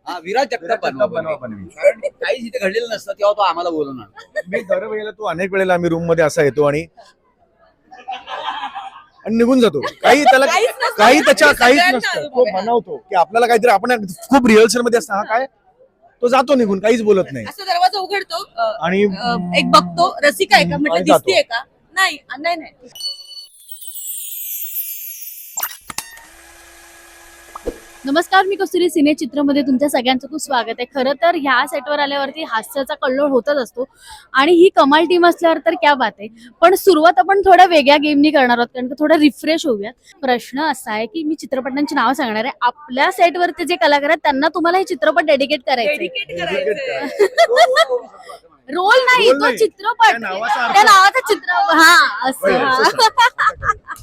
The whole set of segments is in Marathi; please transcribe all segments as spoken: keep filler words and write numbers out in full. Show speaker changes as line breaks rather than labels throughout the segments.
हा, विराज जगताप बनवा
बनवा
बनवी.
बनवी.
कारण काहीच इथे घडलेलं नसतं तेव्हा तो आम्हाला बोलवणार.
मी दरवेळेला तो अनेक वेळेला आम्ही रूम मध्ये असा येतो आणि आणि निघून जातो. काही त्याला
काहीच नसतं.
काही त्याच्या काहीच
सगळ्यांना
नसतं.
अनुभव
तो
आहे.
बनवतो की आपल्याला काहीतरी आपण खूप रिहर्सल मध्ये असतं हा काय तो जातो निघून काहीच बोलत नाही
असं दरवाजा उघडतो अ,
आणि
अ, एक बघतो रसिका आहे का म्हटलं
आणि जातो.
दिसतीये का नाही अ, नाही नाही
नमस्कार, मी कस्तुरी सिने चित्रमध्ये तुमच्या सगळ्यांचं खूप स्वागत आहे. खरं तर ह्या सेटवर आल्यावरती हास्याचा कल्लोळ होतच असतो आणि ही कमाल टीम असल्यावर तर क्या बात आहे. पण सुरुवात आपण थोड्या वेगळ्या गेमनी करणार आहोत कारण का थोडं रिफ्रेश होऊयात. प्रश्न असा आहे की मी चित्रपटांची नावं सांगणार आहे. आपल्या सेटवरती जे कलाकार आहेत त्यांना तुम्हाला हे चित्रपट डेडिकेट करायचे.
डेडिकेट करायचंय.
रोल नाही,
रोल
तो
नाही.
चित्रपट
त्या नावाचा अर्थ.
त्या नावाचा चित्र हा असं
बरं,
हा.
असं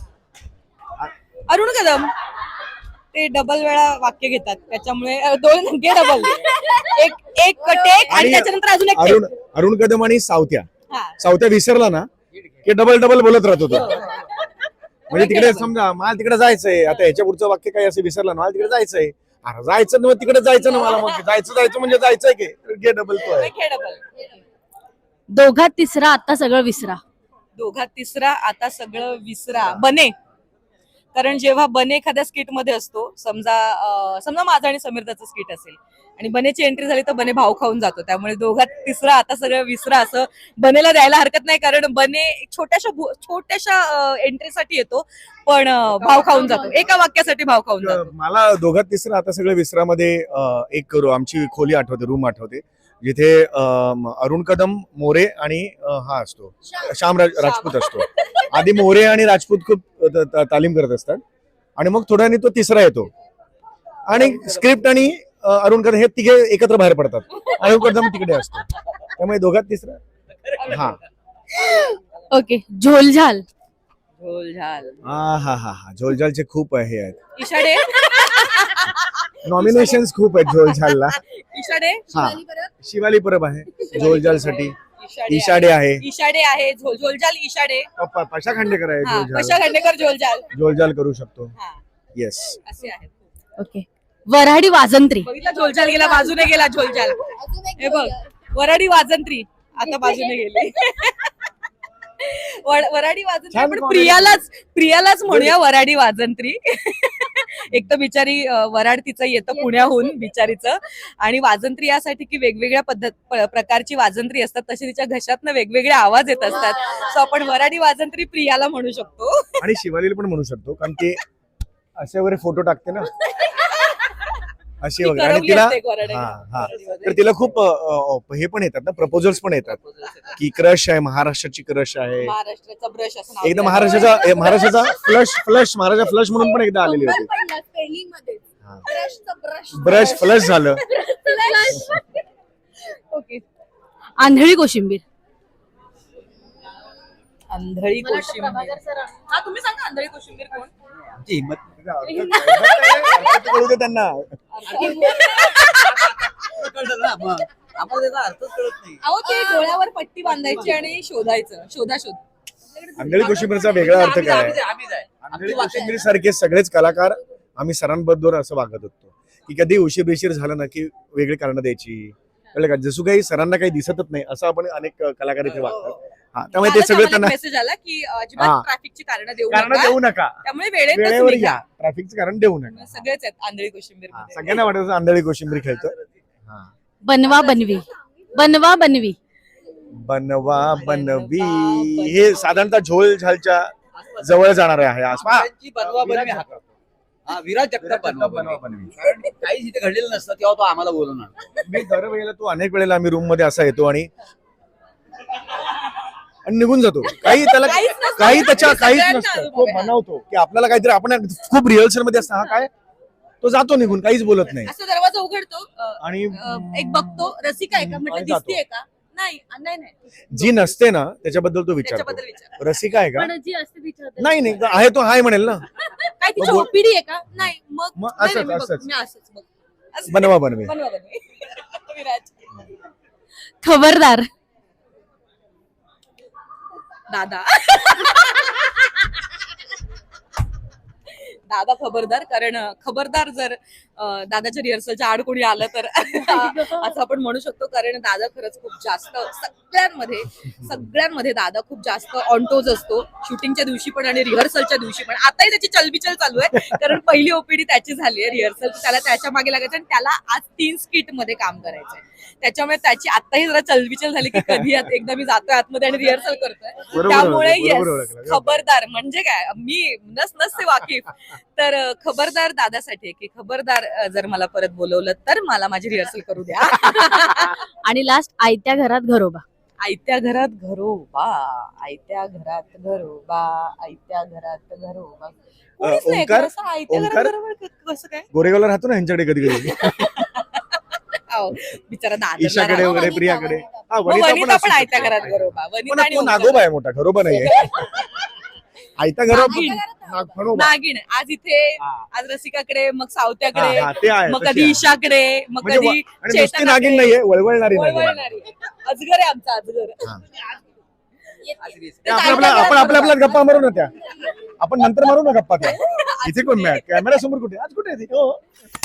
अरुण कदम ते डबल वेळा वाक्य घेतात त्याच्यामुळे अ, दोन घे डबल एक एक टेक आणि
आणि
त्याच्यानंतर अजून एक
अरुण
take.
अरुण कदम आणि सावत्या
हा.
सावत्या विसरला ना की डबल डबल बोलत राहतो तो. म्हणजे तिकडे समजा मला तिकडे जायचंय आता ह्याच्या पुढचं वाक्य काही असं विसरलं ना मला तिकडे जायचंय अरे जायचं ना मग तिकडे जायचं ना मला मग जायचं जायचं म्हणजे जायचंय की घे डबल तो आहे.
एक घे डबल
दोघात तिसरा आता सगळं विसरा.
दोघात तिसरा आता सगळं विसरा बने. कारण जेव्हा बने एखाद्या स्किट मध्ये असतो समजा अं, समजा माझा आणि समीरदाचं स्किट असेल आणि बनेची एंट्री झाली तर बने भाव खाऊन जातो त्यामुळे दोघात तिसरा आता सगळं विसरा असं बनेला द्यायला हरकत नाही कारण बने एक छोट्याशा भू- छोट्याशा एंट्रीसाठी येतो पण अं, भाव खाऊन जातो एका वाक्यासाठी भाव खाऊन जातो.
मला दोघात तिसरं आता सगळं विसरामध्ये अं, एक करू आमची खोली आठवते रूम आठवते जिथे अं, अरुण कदम मोरे आणि अं, हा असतो श्याम राज- राजपूत असतो. आधी मोरे आणि राजपूत खूप त- त- तालीम करत असतात आणि मग थोड्याने तो तिसरा येतो आणि स्क्रिप्ट आणि अं, अरुण कदम हे तिघे एकत्र बाहेर पडतात. अरुण कदम तिकडे असतो त्यामुळे दोघात तिसरा हा
ओके, झोलझाल.
झोल झाल
हा हा हा हा झोलझालचे खूप हे आहेत
इशाडे
नॉमिनेशन्स खूप आहेत झोलझालला.
इशाडे
हा शिवाली परब आहे झोलझालसाठी.
इशाडे
इशाडे आहे
इशाडे आहे झोल झोलझाल इशाडे
प- पशा खांडेकर आहे
हा
झोलझाल
पशा खांडेकर झोलझाल
झोलझाल करू शकतो.
हा
येस
असे आहेत.
ओके, वऱ्हाडी वाजंत्री.
बघितला झोलझाल गेला बाजूने गेला झोलझाल हे बघ वराडी वाजंत्री आता बाजूने गेली वर- वराडी वाजंत्री
छान
पण
comedy.
प्रियालाच प्रियालाच म्हणूया वराडी वाजंत्री एक तर बिचारी अं, वराड तिचं येतं पुण्याहून बिचारीचं आणि वाजंत्री यासाठी की वेगवेगळ्या पद्धत प- प्रकारची वाजंत्री असतात तसे तिच्या घशातनं वेगवेगळे आवाज येत असतात सो आपण वराडी वाजंत्री प्रियाला म्हणू शकतो.
आणि शिवालीला पण म्हणू शकतो कारण ते असे वगैरे फोटो टाकते ना अशी
ती
वगैरे आणि
करवली
तिला
असते एक वराडी.
हा हा तर तिला खूप अ, अ, हे पण येतात ना प्रपोजल्स पण येतात की क्रश आहे महाराष्ट्राची क्रश आहे
महाराष्ट्राचा ब्रश असं नाव
एकदा
दिलं.
महाराष्ट्राचा ए, महाराष्ट्राचा फ्लश फ्लश महाराष्ट्र फ्लश म्हणून पण एकदा आलेली होती. हा. ब्रश फ्लश झालं.
ओके, आंधळी कोशिंबीर.
आंधळी कोशिंबीर हा तुम्ही सांगा आंधळी कोशिंबीर कोण
आमची हिंमत
अर्थ कळू दे त्यांना.
कळतं ना मग आम्हाला त्याचा अर्थच कळत नाही.
अहो ते डोळ्यावर पट्टी बांधायची आणि शोधायचं शोधा शोध
आंधळी कोशिंबीरचा वेगळा अर्थ
आम्हीच-
काय
आम्हीच
आहे?
आहे, आम्हीच आहे.
आंधळी
आमची वाक्य-
कोशिंबीर सारखे सगळेच कलाकार आम्ही सरांबद्दल असं वागत होतो की कधी उशीर बिशीर झालं ना की वेगळी कारणं द्यायची कळलं का जसं काही सरांना काही दिसतच नाही असं आपण अनेक कलाकार इथे वागतात. हा त्यामुळे ते सगळं त्यांना
मेसेज आला की
हा.
अजिबात ट्रॅफिकची कारण देऊ
कारण
नका
देऊ नका
त्यामुळे वेळेत
वेळेवर या ट्रॅफिकचं कारण देऊ नका.
सगळेच आहेत आंधळी कोशिंबीर
हा, सगळ्यांना वाटत आंधळी कोशिंबीर खेळतो. हा.
बनवा बनवी. बनवा बनवी.
बनवा बनवी हे साधारणतः झोल झालच्या जवळ जाणार आहे आसपा
त्यांची बनवा बनवी हा करतो. हा, विराज जगताप बनवा
बनवा
बनवी.
बनवी.
कारण काहीच इथे घडलेलं नसतं तेव्हा तो आम्हाला बोलवणार.
मी दरवेळेला तो अनेक वेळेला आम्ही रूम मध्ये असा येतो आणि आणि निघून जातो. काही त्याला
काहीच नसतं.
काही त्याच्या काहीच
सगळ्यांना
नसतं.
अनुभव
तो
आहे.
बनवतो की आपल्याला काहीतरी आपण खूप रिहर्सल मध्ये असतं हा काय तो जातो निघून काहीच बोलत नाही
असं दरवाजा उघडतो अ,
आणि
अ, एक बघतो रसिका आहे का म्हटलं
आणि जातो.
दिसतीये का नाही अ, नाही नाही
जी नसते ना त्याच्याबद्दल तो
त्याच्याबद्दल
विचारतो
विचार
रसिका आहे का
पण जी असते तिच्याबद्दल.
नाही नाही आहे तो हाय म्हणेल ना
काय तिची
बोल-
ओपीडी आहे का नाही मग
मग
नाही,
असंच,
नाही, मी बघ-
असंच.
मी असंच बघ असं-
बनवा बनवे
बनवा बनवी विराज
खबरदार.
दादा दादा खबरदार कारण अ, खबरदार जर अं, दादाच्या रिहर्सलच्या आड कोणी आलं तर असं आपण म्हणू शकतो, कारण दादा खरंच खूप जास्त सगळ्यांमध्ये सगळ्यांमध्ये दादा खूप जास्त ऑनटोज असतो, शूटिंगच्या दिवशी पण आणि रिहर्सलच्या दिवशी पण. आताही त्याची चलबिचल चालू आहे, कारण पहिली ओपीडी त्याची झाली आहे रिहर्सल, त्याला त्याच्या मागे लागायचं आणि त्याला आज तीन स्किट मध्ये काम करायचंय. त्याच्यामुळे त्याची आताही जरा चलबिचल झाली की कधी आत- एकदा मी जातोय आतमध्ये आणि रिहर्सल करतोय.
बरोबर
त्यामुळे
ओळखलं,
येस,
बरोबर ओळखलं.
खबरदार म्हणजे काय, मी नस नसते वाकीफ, तर अं, खबरदार दादासाठी आहे की खबरदार, अं, जर मला परत बोलवलं तर मला माझी रिहर्सल करू द्या.
आणि लास्ट आयत्या घरात घरोबा.
आयत्या घरात घरोबा, आयत्या घरात घरोबा, आयत्या घरात घरोबा. कोणीच नाही
ओंकार?
का असं आयत्या घरात
ओंकार?
घरोबा क- कसं काय?
गोरेगावला राहतो ना ह्यांच्याकडे कधी कधी
अहो, बिचारा दादा
ईशाकडे वगैरे प्रियाकडे. हा, वनिता
वनिता पण
असू
आयत्या
शकते.
घरात घरोबा.
पण
वनिता आणि
तो
ओंकार.
नागोबा आहे मोठा, घरोबा नाहीये. आयता घरोबा
नागिन.
नाग- घरोबा.
नागिन. आज इथे,
हा.
आज रसिकाकडे, मग
हा,
सावत्याकडे,
हा, ते आहे,
मग
तशी
कधी
आहे.
ईशाकडे, मग
म्हणजे
कधी
व- आणि नुसती
चेतनाकडे.
नागिन नाहीये, वळवळणारी नागिन आहे.
वळवळणारी. अजगर आहे आमचा अजगर.
हा.
आश्री.
ते आपल्या आपल्या- आपण आपल्या आपल्यात गप्पा मारू ना त्या, आपण नंतर मारू ना गप्पा त्या. इथे कोण कॅमेरा समोर कुठे आज कुठे आहे ती? हो